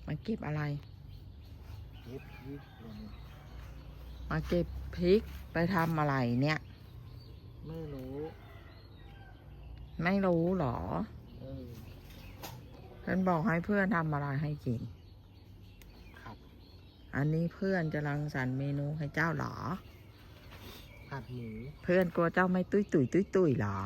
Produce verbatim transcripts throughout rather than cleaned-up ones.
มาเก็บอะไรเก็บพริกเลยนี่มาเก็บพริกไปทำอะไรเนี่ยไม่รู้ไม่รู้หรอเออเพื่อนบอกให้เพื่อนทำอะไรให้กินผัดอันนี้เพื่อนจะรังสรรค์เมนูให้เจ้าหรอผัดหมูเพื่อนกลัวเจ้าไม่ตุ้ยตุ้ยตุ้ยตุ้ยหรอ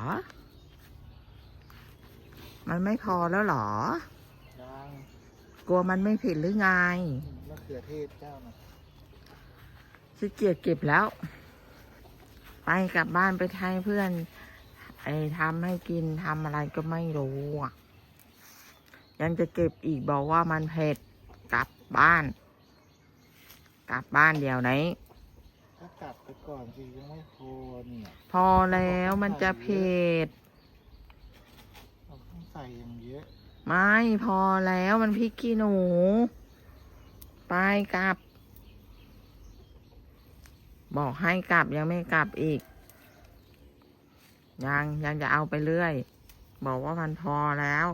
มันไม่พอแล้วหรอยังกลัวมันไม่เผ็ดหรือไงมะเขือเทศเจ้านะขี้เกียจเก็บแล้วไปกลับบ้านไปให้เพื่อนไอ้ทำให้กินทำอะไรก็ไม่รู้อ่ะยังจะเก็บอีกบอกว่ามันเผ็ดกลับบ้านกลับบ้านเดี๋ยวไหนก็กลับไปก่อนสิยังไม่พอเนี่ยพอแล้วมันจะเผ็ดเราต้องใส่อย่างเยอะไม่พอแล้วมันพริกขี้หนูไปกลับบอกให้กลับยังไม่กลับอีกยังยังจะเอาไปเรื่อยบอกว่ามันพอแล้ว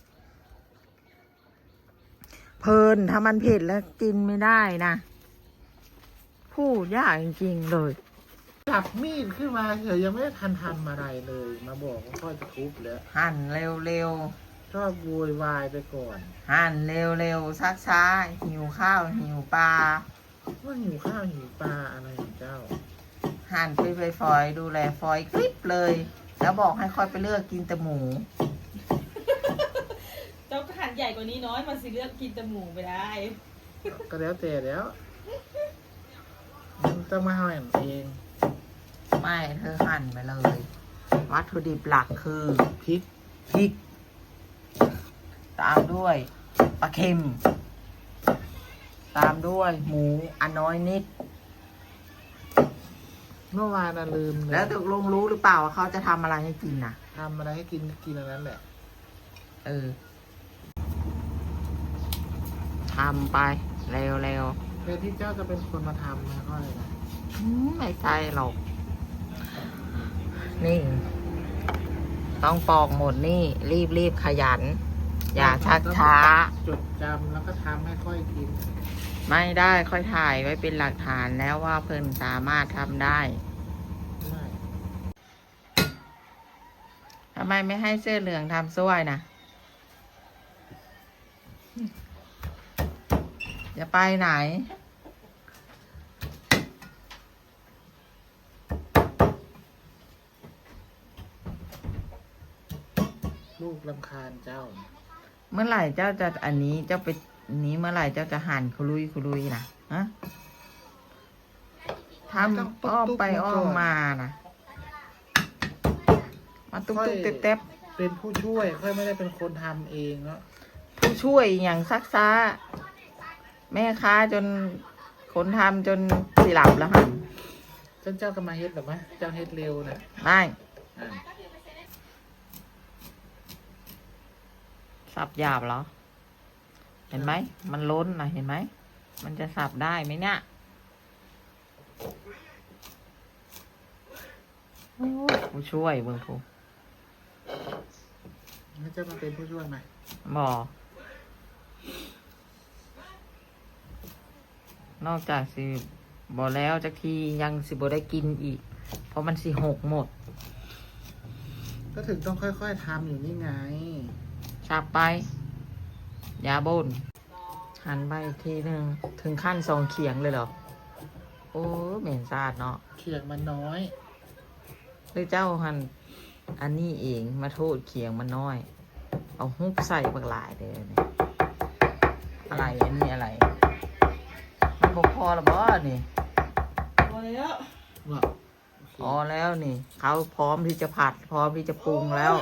เพลินถ้ามันเผ็ดแล้วกินไม่ได้นะพูดยากจริงๆเลยจับมีดขึ้นมาเฉยยังไม่ได้ทันทำอะไรเลยมาบอกว่าพ่อจะทุบแล้วหั่นเร็วๆชอบโวยวายไปก่อนหั่นเร็วๆซักช้าหิวข้าวหิวปลาว่าหิวข้าวหิวปลาอะไรของเจ้าหั่นไปไปฝอยดูแลฝอยคลิปเลยแล้วบอกให้ค่อยไปเลือกกินแต่หมูเจ้าหั่นใหญ่กว่านี้น้อยมันสิเลือกกินแต่หมูไปได้ก็แล้วแต่แล้วมันต้องมาหั่นเองไม่เธอหั่นไปเลยวัตถุดิบหลักคือพริกพริกตามด้วยปลาเค็มตามด้วยหมูอันน้อยนิดเมื่อวานน่ะลืมเลยแล้วตกลงรู้หรือเปล่าว่าเขาจะทำอะไรให้กินน่ะทำอะไรให้กินกินอันนั้นแหละเออทำไปเร็วเร็วเพื่อที่เจ้าจะเป็นคนมาทำนะก็เลยนะไม่ใช่หรอกนี่ต้องปอกหมดนี่รีบรีบขยันอย่าชักช้าจดจำแล้วก็ทำให้ค่อยกินไม่ได้ค่อยถ่ายไว้เป็นหลักฐานแล้วว่าเพิ่นสามารถทำได้ทำไมไม่ให้เสื้อเหลืองทำซ้วยนะจะไปไหนลูกรำคาญเจ้าเมื่อไหร่เจ้าจะอันนี้เจ้าไปนี้เมื่อไหร่เจ้าจะหั่นคุรุยคุรุยนะฮะทำอ้อมไปอ้อมมานะมาตุ๊กตุ๊กเต๊บเต๊บเป็นผู้ช่วยค่อยไม่ได้เป็นคนทำเองเนาะผู้ช่วยอย่างซักซ้าแม่ค้าจนคนทำจนสิหลับแล้วหั่นเจ้าเจ้าก็มาเฮ็ดหรือไหมเจ้าเฮ็ดเร็วนะไม่สับหยาบเหรอเห็นไหมมันล้นนะเห็นไหมมันจะสับได้ไหมเนี่ยผู้ช่วยเบิ่งผู้แล้วเจ้ามาเป็นผู้ช่วยไหมบอกนอกจากสิบอแล้วจากทียังสิบอได้กินอีกเพราะมันสิหกหมดก็ถึงต้องค่อยๆทำอยู่นี่ไงสับไปยาบนหันไปอีกทีหนึ่งถึงขั้นสองเขียงเลยเหรอโอ้เหม็นสาดเนาะเขียงมันน้อยหรือเจ้าหันอันนี้เองมาโทษเขียงมันน้อยเอาฮุบใส่บางหลายเลยเนี่ยอะไรอันนี้อะไรมันบอกพอหรือเปล่านี่พอแล้วพอแล้วนี่เขาพร้อมที่จะผัดพร้อมที่จะปรุงแล้ว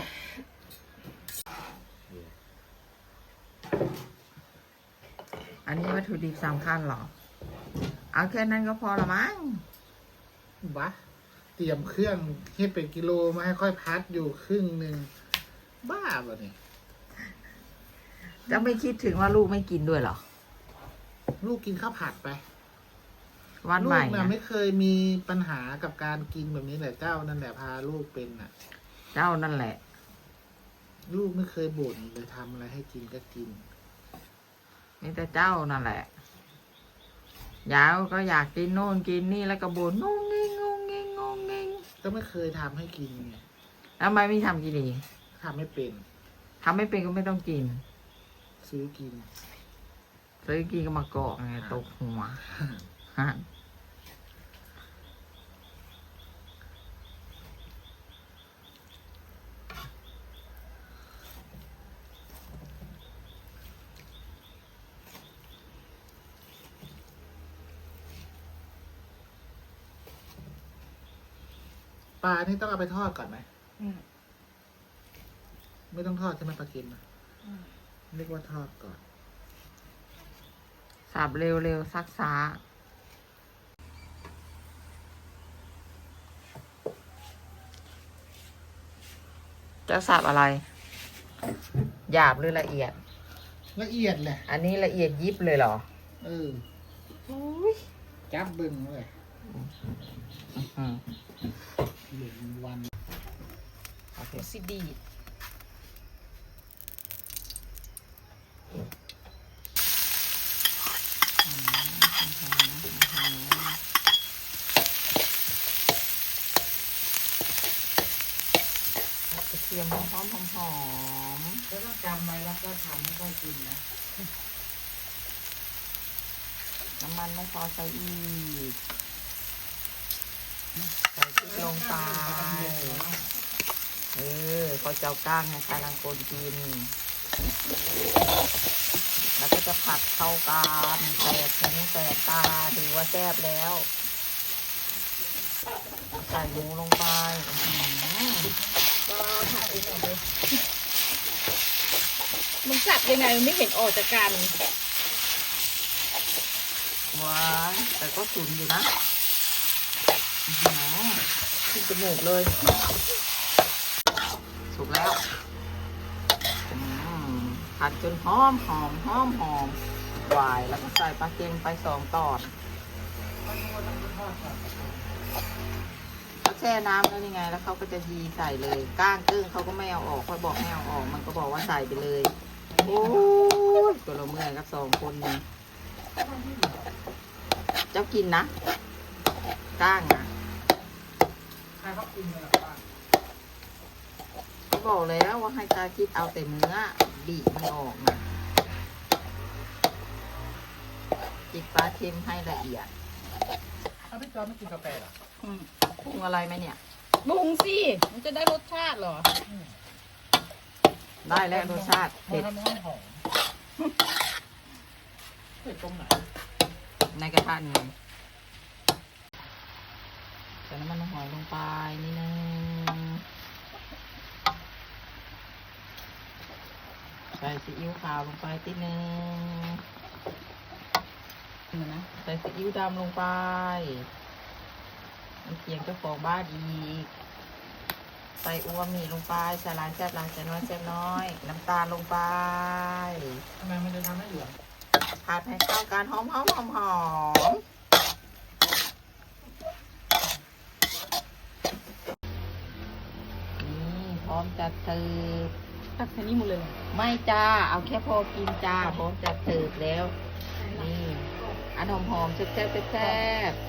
อันนี้วัตถุดิบสำคัญเหรอเอาแค่นั้นก็พอละมั้งบ้าเตรียมเครื่องให้เป็นกิโลมาให้ค่อยพัดอยู่ครึ่งหนึ่งบ้าป่ะเนี่ยจะไม่คิดถึงว่าลูกไม่กินด้วยเหรอลูกกินข้าวผัดไปวันใหม่ลูกน่ะไม่เคยมีปัญหากับการกินแบบนี้แหละเจ้านั่นแหละพาลูกเป็นน่ะเจ้านั่นแหละลูกไม่เคยบ่นเลยทำอะไรให้กินก็กินมีแต่เจ้านั่นแหละยาวก็อยากกินโน่นกินนี่แล้วก็บ่นงงงิงงงงิงงงงิงก็ไม่เคยทำให้กินไงแล้วทำไมไม่ทำกินเองทำไม่เป็นทำไม่เป็นก็ไม่ต้องกินซื้อกินซื้อกินก็มาเกาะไงตกหัวฮะปลานี่ต้องเอาไปทอดก่อนไหมอืมไม่ต้องทอดใช่ไหมปลาเค็มนะอืมเรียกว่าทอดก่อนสับเร็วๆซักซ้าจะสับอะไร หยาบหรือละเอียดละเอียดแหละอันนี้ละเอียดยิบเลยเหรอเอออุ้ยจับบึงเลยอืมเหลือวันโอเคสิดีดกระเทียมหอมหอมหอมแล้วต้องจำไว้แล้วก็ทำให้ค่อยกินนะน้ำมันไม่พอใส่อีกใส่พริกลงไปเออเขาเจ้าก้างให้ใครลังคนกิน แล้วก็จะผัดเข้ากันแตกหูแตกตาถือว่าแซ่บแล้ว ใส่หมูลงไปอื้อหือก็ถ่ายเองหน่อยเลยมันสับยังไงมันไม่เห็นออกจากกันว้ายแต่ก็สุนอยู่นะอื้อหือขึ้นจมูกเลย สุกแล้วอืมผัดจนหอมหอมหอมหอมหวายแล้วก็ใส่ปลาเค็มไปสองตอดเขาแช่น้ำแล้วยังไง แล้วเขาก็จะยีใส่เลย ก้างกึ้งเขาก็ไม่เอาออกค่อยบอกให้เอาออก มันก็บอกว่าใส่ไปเลย โอ้ยตัวเราเมื่อยกับสองคนนี่เจ้ากินนะก้างนะใครเขากินกันล่ะป้าเขาบอกแล้วว่าให้ตาคิดเอาแต่เนื้อบีบมันออกนะจิบปลาเค็มให้ละเอียดถ้าพี่จอมไม่กินกาแฟเหรออืมปรุงอะไรไหมเนี่ยปรุงสิ มันจะได้รสชาติเหรอได้แล้วรสชาติเผ็เผ็ดดทำให้หอมเผ็ดตรงไหนในกระทะนี่ใส่น้ำมันหอยลงไปนิดนึงใส่ซีอิ๊วขาวลงไปนิดนึงเห็นไหมใส่ซีอิ๊วดำลงไปน้ำเคียงเจ้าของบ้านอีก ใส่อูมามิลงไปใส่ลายแซ่บลายใส่น้อยแซ่บน้อย น้ำตาลลงไปทำไมมันจะทำให้เหลืองผัดให้เข้ากันหอมหอมหอมหอมนี่พร้อมจะเสิร์ฟตักแค่นี้หมดเลยไม่จ้า เอาแค่พอกินจ้า พร้อมจะเสิร์ฟแล้ว นี่ อันหอมหอมๆแซ่บแซ่บแซ่บ